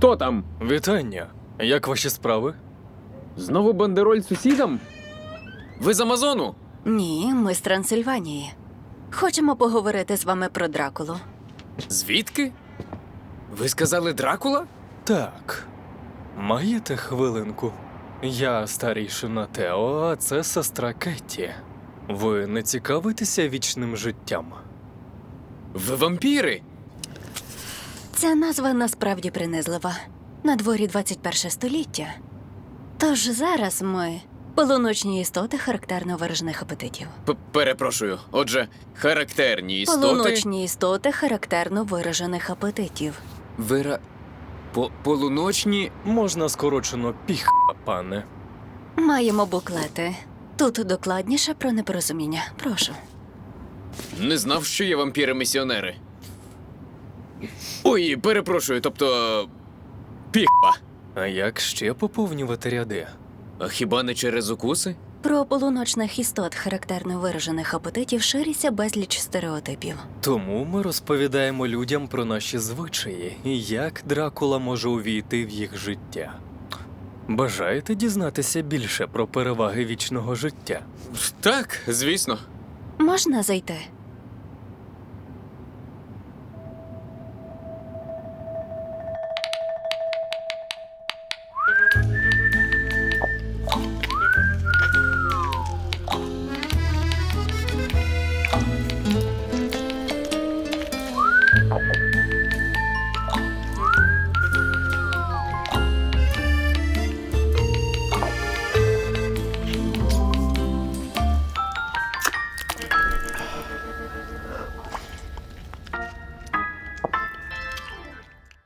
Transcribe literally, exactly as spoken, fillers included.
Хто там? Вітання. Як ваші справи? Знову бандероль сусідам? Ви з Амазону? Ні, ми з Трансильванії. Хочемо поговорити з вами про Дракулу. Звідки? Ви сказали Дракула? Так. Маєте хвилинку? Я старійшина Тео, а це сестра Кетті. Ви не цікавитеся вічним життям? Ви вампіри? Ця назва насправді принизлива. На дворі двадцять перше століття. Тож зараз ми полуночні істоти характерно виражених апетитів. П- Перепрошую. Отже, характерні істоти... Полуночні істоти характерно виражених апетитів. Вира... По полуночні... Можна скорочено піх, пане. Маємо буклети. Тут докладніше про непорозуміння. Прошу. Не знав, що є вампіри-місіонери. Ой, перепрошую, тобто... Піхва. А як ще поповнювати ряди? А хіба не через укуси? Про полуночних істот характерно виражених апетитів шириться безліч стереотипів. Тому ми розповідаємо людям про наші звичаї і як Дракула може увійти в їх життя. Бажаєте дізнатися більше про переваги вічного життя? Так, звісно. Можна зайти?